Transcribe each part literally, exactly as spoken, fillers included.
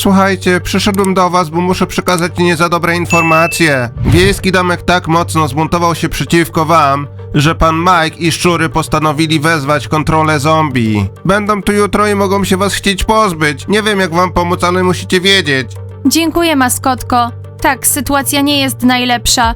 Słuchajcie, przyszedłem do was, bo muszę przekazać nie za dobre informacje. Wiejski domek tak mocno zbuntował się przeciwko wam, że pan Mike i szczury postanowili wezwać kontrolę zombie. Będą tu jutro i mogą się was chcieć pozbyć. Nie wiem jak wam pomóc, ale musicie wiedzieć. Dziękuję, maskotko. Tak, sytuacja nie jest najlepsza.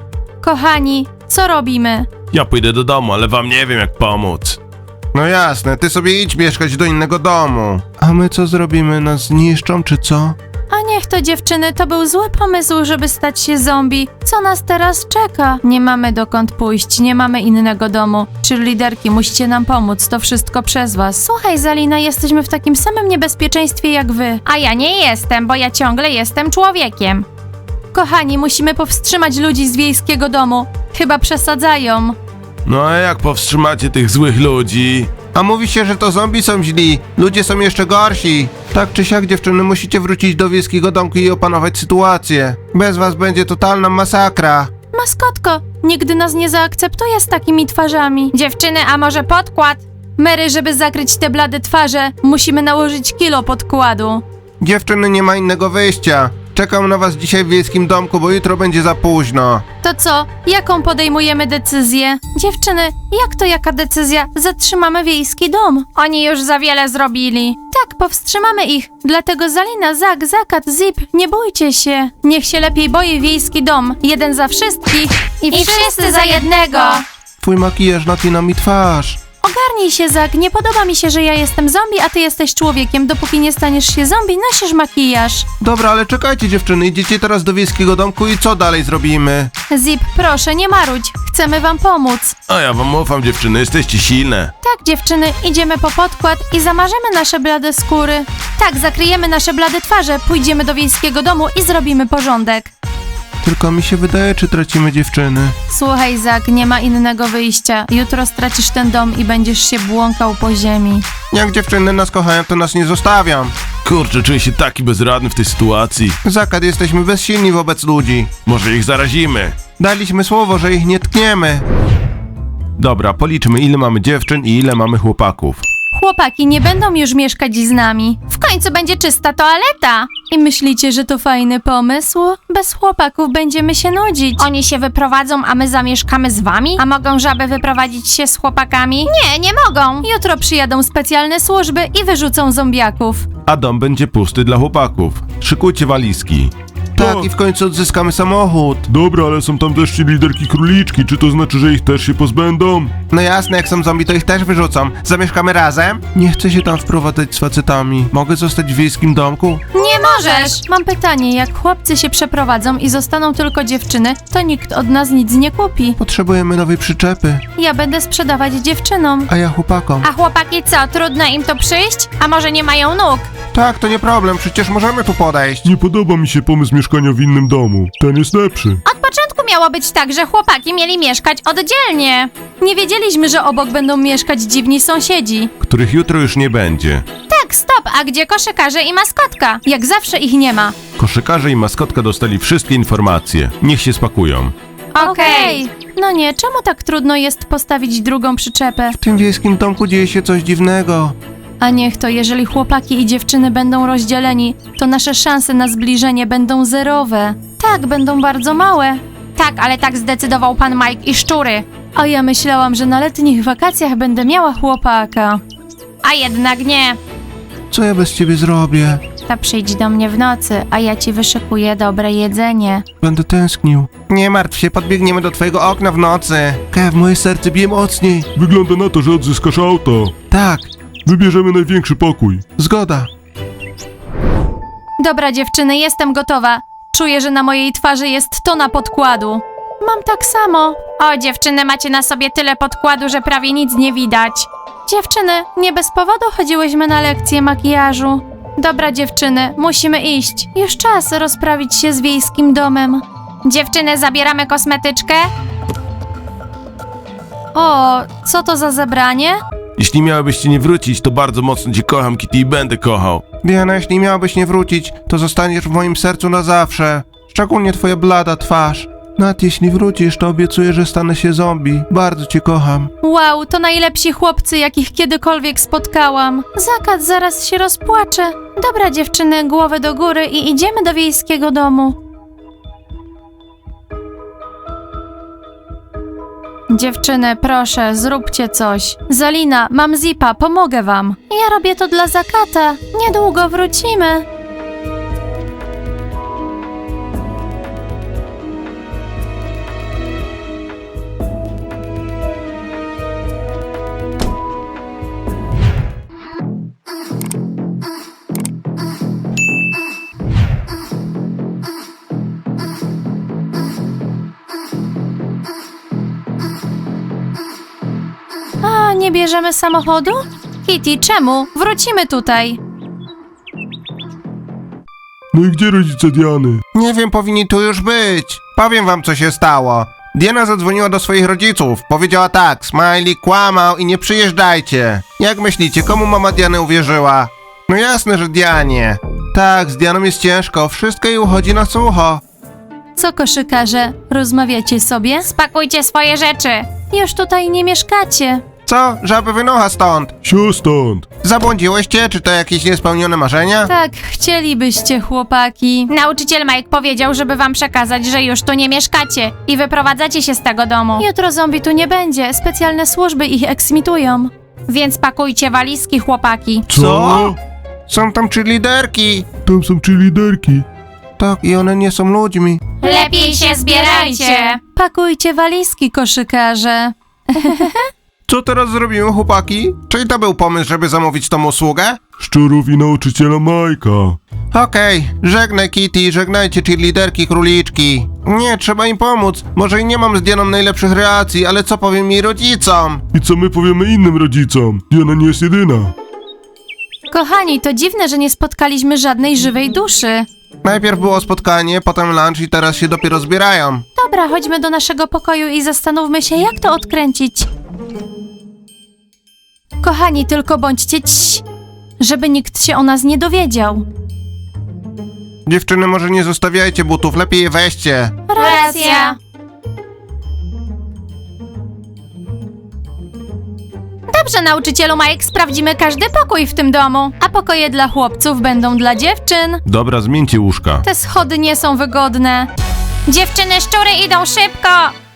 Kochani, co robimy? Ja pójdę do domu, ale wam nie wiem jak pomóc. No jasne, ty sobie idź mieszkać do innego domu. A my co zrobimy? Nas zniszczą czy co? A niech to, dziewczyny, to był zły pomysł, żeby stać się zombie. Co nas teraz czeka? Nie mamy dokąd pójść, nie mamy innego domu. Cheerleaderki, musicie nam pomóc, to wszystko przez was. Słuchaj, Zalina, jesteśmy w takim samym niebezpieczeństwie jak wy. A ja nie jestem, bo ja ciągle jestem człowiekiem. Kochani, musimy powstrzymać ludzi z wiejskiego domu. Chyba przesadzają. No a jak powstrzymacie tych złych ludzi? A mówi się, że to zombie są źli. Ludzie są jeszcze gorsi. Tak czy siak, dziewczyny, musicie wrócić do wiejskiego domku i opanować sytuację. Bez was będzie totalna masakra. Maskotko, nigdy nas nie zaakceptuje z takimi twarzami. Dziewczyny, a może podkład? Mary, żeby zakryć te blade twarze, musimy nałożyć kilo podkładu. Dziewczyny, nie ma innego wyjścia. Czekam na was dzisiaj w wiejskim domku, bo jutro będzie za późno. To co? Jaką podejmujemy decyzję? Dziewczyny, jak to jaka decyzja? Zatrzymamy wiejski dom. Oni już za wiele zrobili. Tak, powstrzymamy ich. Dlatego Zalina, Zak, Zakat, Zip, nie bójcie się. Niech się lepiej boi wiejski dom. Jeden za wszystkich i, I wszyscy za jednego. Twój makijaż napina mi twarz. Ogarnij się, Zak. Nie podoba mi się, że ja jestem zombie, a ty jesteś człowiekiem. Dopóki nie staniesz się zombie, nosisz makijaż. Dobra, ale czekajcie, dziewczyny, idziecie teraz do wiejskiego domku i co dalej zrobimy? Zip, proszę, nie marudź. Chcemy wam pomóc. A ja wam ufam, dziewczyny, jesteście silne. Tak, dziewczyny, idziemy po podkład i zamarzemy nasze blade skóry. Tak, zakryjemy nasze blade twarze, pójdziemy do wiejskiego domu i zrobimy porządek. Tylko mi się wydaje, czy tracimy dziewczyny. Słuchaj, Zak, nie ma innego wyjścia. Jutro stracisz ten dom i będziesz się błąkał po ziemi. Jak dziewczyny nas kochają, to nas nie zostawią. Kurczę, czuję się taki bezradny w tej sytuacji. Zakat, jesteśmy bezsilni wobec ludzi. Może ich zarazimy. Daliśmy słowo, że ich nie tkniemy. Dobra, policzmy, ile mamy dziewczyn i ile mamy chłopaków. Chłopaki nie będą już mieszkać z nami. W końcu będzie czysta toaleta. I myślicie, że to fajny pomysł? Bez chłopaków będziemy się nudzić. Oni się wyprowadzą, a my zamieszkamy z wami? A mogą żaby wyprowadzić się z chłopakami? Nie, nie mogą. Jutro przyjadą specjalne służby i wyrzucą zombiaków. A dom będzie pusty dla chłopaków. Szykujcie walizki. Tak, i w końcu odzyskamy samochód. Dobra, ale są tam też liderki króliczki. Czy to znaczy, że ich też się pozbędą? No jasne, jak są zombie, to ich też wyrzucą. Zamieszkamy razem? Nie chcę się tam wprowadzać z facetami. Mogę zostać w wiejskim domku? Nie możesz. Mam pytanie, jak chłopcy się przeprowadzą i zostaną tylko dziewczyny, to nikt od nas nic nie kupi. Potrzebujemy nowej przyczepy. Ja będę sprzedawać dziewczynom. A ja chłopakom. A chłopaki co, trudno im to przyjść? A może nie mają nóg? Tak, to nie problem, przecież możemy tu podejść. Nie podoba mi się pomysł mieszkania w innym domu. Ten jest lepszy. Od początku miało być tak, że chłopaki mieli mieszkać oddzielnie. Nie wiedzieliśmy, że obok będą mieszkać dziwni sąsiedzi. Których jutro już nie będzie. Tak, stop, a gdzie koszykarze i maskotka? Jak zawsze ich nie ma. Koszykarze i maskotka dostali wszystkie informacje. Niech się spakują. Okej. No nie, czemu tak trudno jest postawić drugą przyczepę? W tym wiejskim domku dzieje się coś dziwnego. A niech to, jeżeli chłopaki i dziewczyny będą rozdzieleni, to nasze szanse na zbliżenie będą zerowe. Tak, będą bardzo małe. Tak, ale tak zdecydował pan Mike i szczury. A ja myślałam, że na letnich wakacjach będę miała chłopaka. A jednak nie. Co ja bez ciebie zrobię? To przyjdź do mnie w nocy, a ja ci wyszykuję dobre jedzenie. Będę tęsknił. Nie martw się, podbiegniemy do twojego okna w nocy. Kev, moje serce bije mocniej. Wygląda na to, że odzyskasz auto. Tak, Wybierzemy największy pokój. zgoda. Dobra dziewczyny, jestem gotowa. Czuję, że na mojej twarzy jest tona podkładu. Mam tak samo. O, dziewczyny, macie na sobie tyle podkładu, że prawie nic nie widać. Dziewczyny, nie bez powodu chodziłyśmy na lekcję makijażu. Dobra dziewczyny, musimy iść. Już czas rozprawić się z wiejskim domem. Dziewczyny, zabieramy kosmetyczkę? O, co to za zebranie? Jeśli miałybyście nie wrócić, to bardzo mocno cię kocham, Kitty, i będę kochał. Diana, jeśli miałabyś nie wrócić, to zostaniesz w moim sercu na zawsze. Szczególnie twoja blada twarz. Nat, jeśli wrócisz, to obiecuję, że stanę się zombie. Bardzo cię kocham. Wow, to najlepsi chłopcy, jakich kiedykolwiek spotkałam. Zakat zaraz się rozpłacze. Dobra dziewczyny, głowę do góry i idziemy do wiejskiego domu. Dziewczyny, proszę, zróbcie coś. Zalina, mam zipa, pomogę wam. Ja robię to dla Zakata. Niedługo wrócimy. A, nie bierzemy samochodu? Kitty, czemu? Wrócimy tutaj. No i gdzie rodzice Diany? Nie wiem, powinni tu już być. Powiem wam, co się stało. Diana zadzwoniła do swoich rodziców. Powiedziała tak, Smiley kłamał i nie przyjeżdżajcie. Jak myślicie, komu mama Diany uwierzyła? No jasne, że Dianie. Tak, z Dianą jest ciężko, wszystko jej uchodzi na sucho. Co, koszykarze, rozmawiacie sobie? Spakujcie swoje rzeczy. Już tutaj nie mieszkacie. Co? Żaby wynocha stąd. Sio stąd. Zabłądziłyście? Czy to jakieś niespełnione marzenia? Tak, chcielibyście, chłopaki. Nauczyciel Mike powiedział, żeby wam przekazać, że już tu nie mieszkacie i wyprowadzacie się z tego domu. Jutro zombie tu nie będzie, specjalne służby ich eksmitują. Więc pakujcie walizki, chłopaki. Co? Są tam trzy liderki. Tam są trzy liderki. Tak, i one nie są ludźmi. Lepiej się zbierajcie. Pakujcie walizki, koszykarze. Co teraz zrobimy, chłopaki? Czyli to był pomysł, żeby zamówić tą usługę? Szczurów i nauczyciela Majka. Okej, żegnaj Kitty, żegnajcie cheerleaderki króliczki. Nie, trzeba im pomóc. Może i nie mam z Dianą najlepszych relacji, ale co powiem jej rodzicom? I co my powiemy innym rodzicom? Diana nie jest jedyna. Kochani, to dziwne, że nie spotkaliśmy żadnej żywej duszy. Najpierw było spotkanie, potem lunch i teraz się dopiero zbierają. Dobra, chodźmy do naszego pokoju i zastanówmy się, jak to odkręcić. Kochani, tylko bądźcie cii, żeby nikt się o nas nie dowiedział. Dziewczyny, może nie zostawiajcie butów, lepiej je weźcie. Racja. Dobrze, nauczycielu Mike, sprawdzimy każdy pokój w tym domu. A pokoje dla chłopców będą dla dziewczyn. Dobra, zmieńcie łóżka. Te schody nie są wygodne. Dziewczyny szczury idą szybko.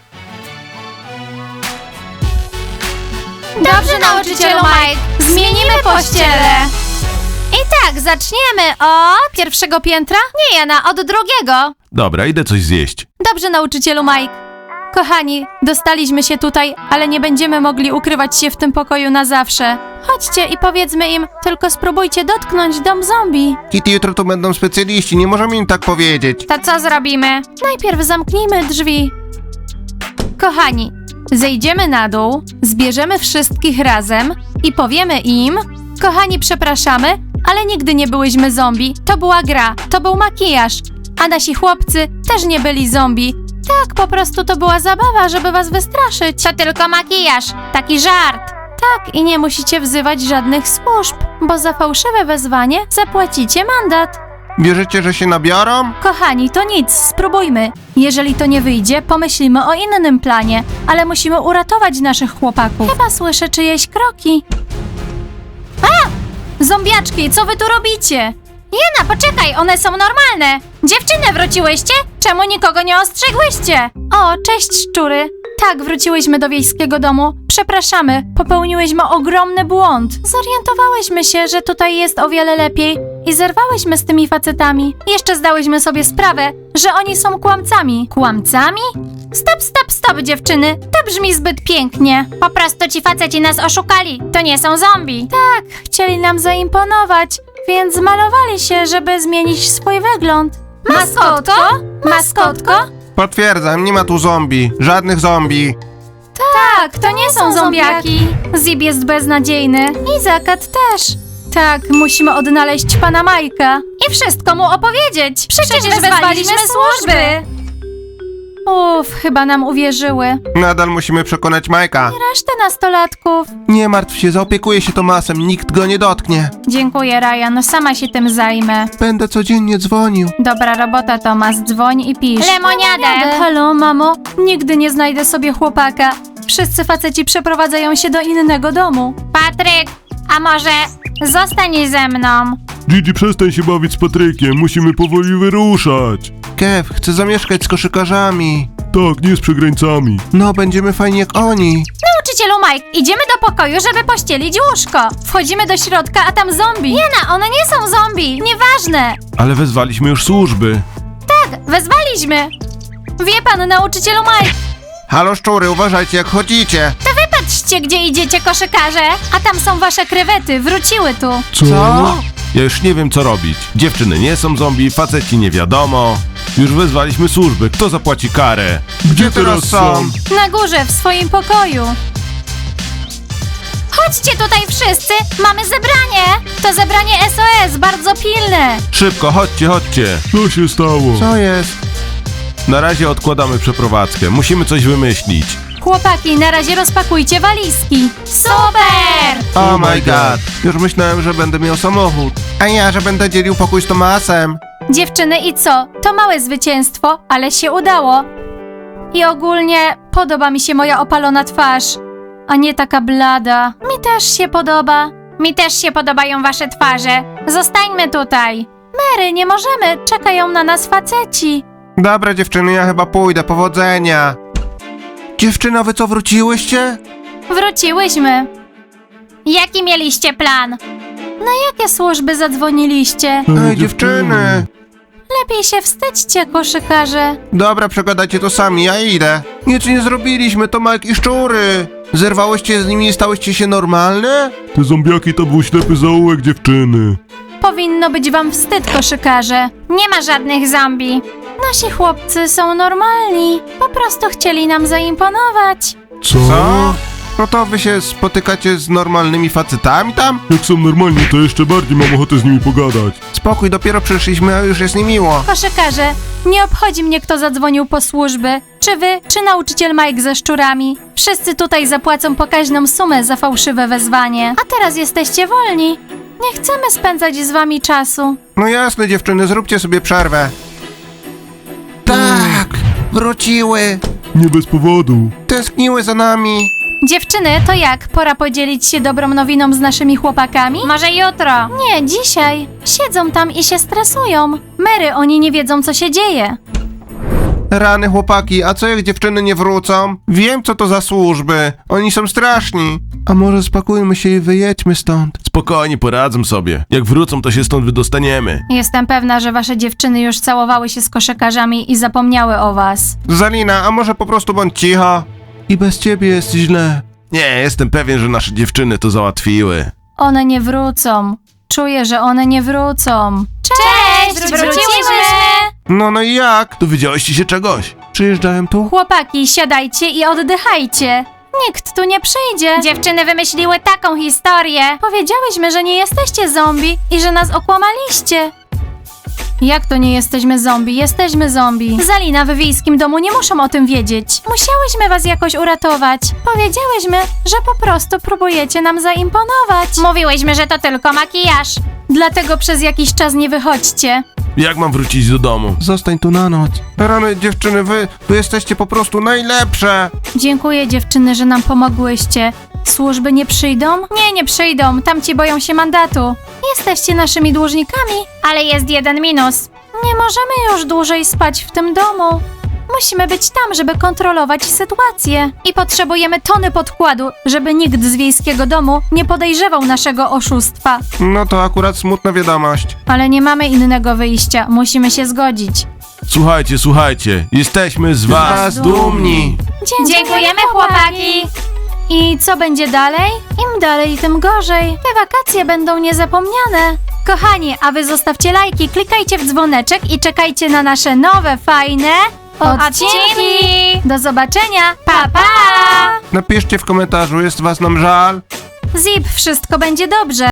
Dobrze, nauczycielu Mike, zmienimy pościele. I tak, zaczniemy od Pierwszego piętra? Nie, Jana, od drugiego. Dobra, idę coś zjeść. Dobrze, nauczycielu Mike. Kochani, dostaliśmy się tutaj, ale nie będziemy mogli ukrywać się w tym pokoju na zawsze. Chodźcie i powiedzmy im, tylko spróbujcie dotknąć dom zombie. Kitty, jutro tu będą specjaliści, nie możemy im tak powiedzieć. To co zrobimy? Najpierw zamknijmy drzwi. Kochani, zejdziemy na dół, zbierzemy wszystkich razem i powiemy im: kochani, przepraszamy, ale nigdy nie byłyśmy zombie. To była gra, to był makijaż, a nasi chłopcy też nie byli zombie. Tak, po prostu to była zabawa, żeby was wystraszyć. To tylko makijaż, taki żart. Tak, i nie musicie wzywać żadnych służb, bo za fałszywe wezwanie zapłacicie mandat. Wierzycie, że się nabiorą? Kochani, to nic, spróbujmy. Jeżeli to nie wyjdzie, pomyślimy o innym planie, ale musimy uratować naszych chłopaków. Chyba słyszę czyjeś kroki. A! Zombiaczki, co wy tu robicie? Jana, poczekaj, one są normalne. Dziewczyny, wróciłyście? Czemu nikogo nie ostrzegłyście? O, cześć szczury. Tak, wróciłyśmy do wiejskiego domu. Przepraszamy, popełniłyśmy ogromny błąd. Zorientowałyśmy się, że tutaj jest o wiele lepiej i zerwałyśmy z tymi facetami. Jeszcze zdałyśmy sobie sprawę, że oni są kłamcami. Kłamcami? Stop, stop, stop, dziewczyny. To brzmi zbyt pięknie. Po prostu ci faceci nas oszukali. To nie są zombie. Tak, chcieli nam zaimponować, więc malowali się, żeby zmienić swój wygląd. Maskotko? Maskotko? Potwierdzam, nie ma tu zombie. Żadnych zombie. Tak, to nie są zombiaki. Zib jest beznadziejny. I Zakat też. Tak, musimy odnaleźć pana Majka. I wszystko mu opowiedzieć. Przecież wezwaliśmy służby. Uff, chyba nam uwierzyły. Nadal musimy przekonać Majka. Resztę nastolatków. Nie martw się, zaopiekuję się Tomasem, nikt go nie dotknie. Dziękuję, Ryan, sama się tym zajmę. Będę codziennie dzwonił. Dobra robota, Tomas, dzwoń i pisz. Lemoniadę. Halo, mamo, nigdy nie znajdę sobie chłopaka. Wszyscy faceci przeprowadzają się do innego domu. Patryk, a może zostań ze mną? Gigi, przestań się bawić z Patrykiem, musimy powoli wyruszać. Kev, chcę zamieszkać z koszykarzami. Tak, nie z przegrańcami. No, będziemy fajni jak oni. Nauczycielu Mike, idziemy do pokoju, żeby pościelić łóżko. Wchodzimy do środka, a tam zombie. Nie na, one nie są zombie. Nieważne. Ale wezwaliśmy już służby. Tak, wezwaliśmy. Wie pan, nauczycielu Mike. Halo szczury, uważajcie jak chodzicie. To wy patrzcie, gdzie idziecie, koszykarze. A tam są wasze krewety, wróciły tu. Co? Co? Ja już nie wiem co robić. Dziewczyny nie są zombie, faceci nie wiadomo. Już wezwaliśmy służby, kto zapłaci karę? Gdzie teraz są? Na górze, w swoim pokoju. Chodźcie tutaj wszyscy, mamy zebranie. To zebranie S O S, bardzo pilne. Szybko, chodźcie, chodźcie. Co się stało? Co jest? Na razie odkładamy przeprowadzkę, musimy coś wymyślić. Chłopaki, na razie rozpakujcie walizki. Super! Oh my god. Już myślałem, że będę miał samochód. A ja, że będę dzielił pokój z Tomasem. Dziewczyny, i co? To małe zwycięstwo, ale się udało. I ogólnie podoba mi się moja opalona twarz, a nie taka blada. Mi też się podoba. Mi też się podobają wasze twarze. Zostańmy tutaj. Mary, nie możemy, czekają na nas faceci. Dobra dziewczyny, ja chyba pójdę, powodzenia. Dziewczyna, wy co, wróciłyście? Wróciłyśmy. Jaki mieliście plan? Na jakie służby zadzwoniliście? Ej, dziewczyny. Lepiej się wstydźcie, koszykarze. Dobra, przegadajcie to sami, ja idę. Nic nie zrobiliśmy, to Mike i szczury. Zerwałyście z nimi i stałyście się normalne? Te zombiaki to był ślepy zaułek dziewczyny. Powinno być wam wstyd, koszykarze. Nie ma żadnych zombie. Nasi chłopcy są normalni. Po prostu chcieli nam zaimponować. Co? Co? No to wy się spotykacie z normalnymi facetami tam? Jak są normalni, to jeszcze bardziej mam ochotę z nimi pogadać. Spokój, dopiero przyszliśmy, a już jest niemiło. Koszykarze, nie obchodzi mnie, kto zadzwonił po służby. Czy wy, czy nauczyciel Mike ze szczurami. Wszyscy tutaj zapłacą pokaźną sumę za fałszywe wezwanie. A teraz jesteście wolni. Nie chcemy spędzać z wami czasu. No jasne dziewczyny, zróbcie sobie przerwę. Tak, wróciły. Nie bez powodu. Tęskniły za nami. Dziewczyny, to jak? Pora podzielić się dobrą nowiną z naszymi chłopakami? Może jutro. Nie, dzisiaj. Siedzą tam i się stresują. Mary, oni nie wiedzą, co się dzieje. Rany chłopaki, a co jak dziewczyny nie wrócą? Wiem co to za służby, oni są straszni. A może spakujmy się i wyjedźmy stąd. Spokojnie, poradzę sobie. Jak wrócą, to się stąd wydostaniemy. Jestem pewna, że wasze dziewczyny już całowały się z koszykarzami i zapomniały o was. Zalina, a może po prostu bądź cicho? I bez ciebie jest źle. Nie, jestem pewien, że nasze dziewczyny to załatwiły. One nie wrócą. Czuję, że one nie wrócą. Cześć, wróciłyśmy. No no i jak? Dowiedziałyście się czegoś? Przyjeżdżałem tu? Chłopaki, siadajcie i oddychajcie. Nikt tu nie przyjdzie. Dziewczyny wymyśliły taką historię. Powiedziałyśmy, że nie jesteście zombie i że nas okłamaliście. Jak to nie jesteśmy zombie? Jesteśmy zombie. Zalina, w wiejskim domu nie muszą o tym wiedzieć. Musiałyśmy was jakoś uratować. Powiedziałyśmy, że po prostu próbujecie nam zaimponować. Mówiłyśmy, że to tylko makijaż. Dlatego przez jakiś czas nie wychodźcie. Jak mam wrócić do domu? Zostań tu na noc. Rany dziewczyny, wy, wy jesteście po prostu najlepsze. Dziękuję dziewczyny, że nam pomogłyście. Służby nie przyjdą? Nie, nie przyjdą. Tamci boją się mandatu. Jesteście naszymi dłużnikami. Ale jest jeden minus. Nie możemy już dłużej spać w tym domu. Musimy być tam, żeby kontrolować sytuację. I potrzebujemy tony podkładu, żeby nikt z wiejskiego domu nie podejrzewał naszego oszustwa. No to akurat smutna wiadomość. Ale nie mamy innego wyjścia. Musimy się zgodzić. Słuchajcie, słuchajcie, jesteśmy z was. Was dumni. Dziękujemy, chłopaki. I co będzie dalej? Im dalej, tym gorzej. Te wakacje będą niezapomniane. Kochani, a wy zostawcie lajki, klikajcie w dzwoneczek i czekajcie na nasze nowe, fajne odcinki. Do zobaczenia. Pa, pa! Napiszcie w komentarzu, jest was nam żal? Zip, wszystko będzie dobrze.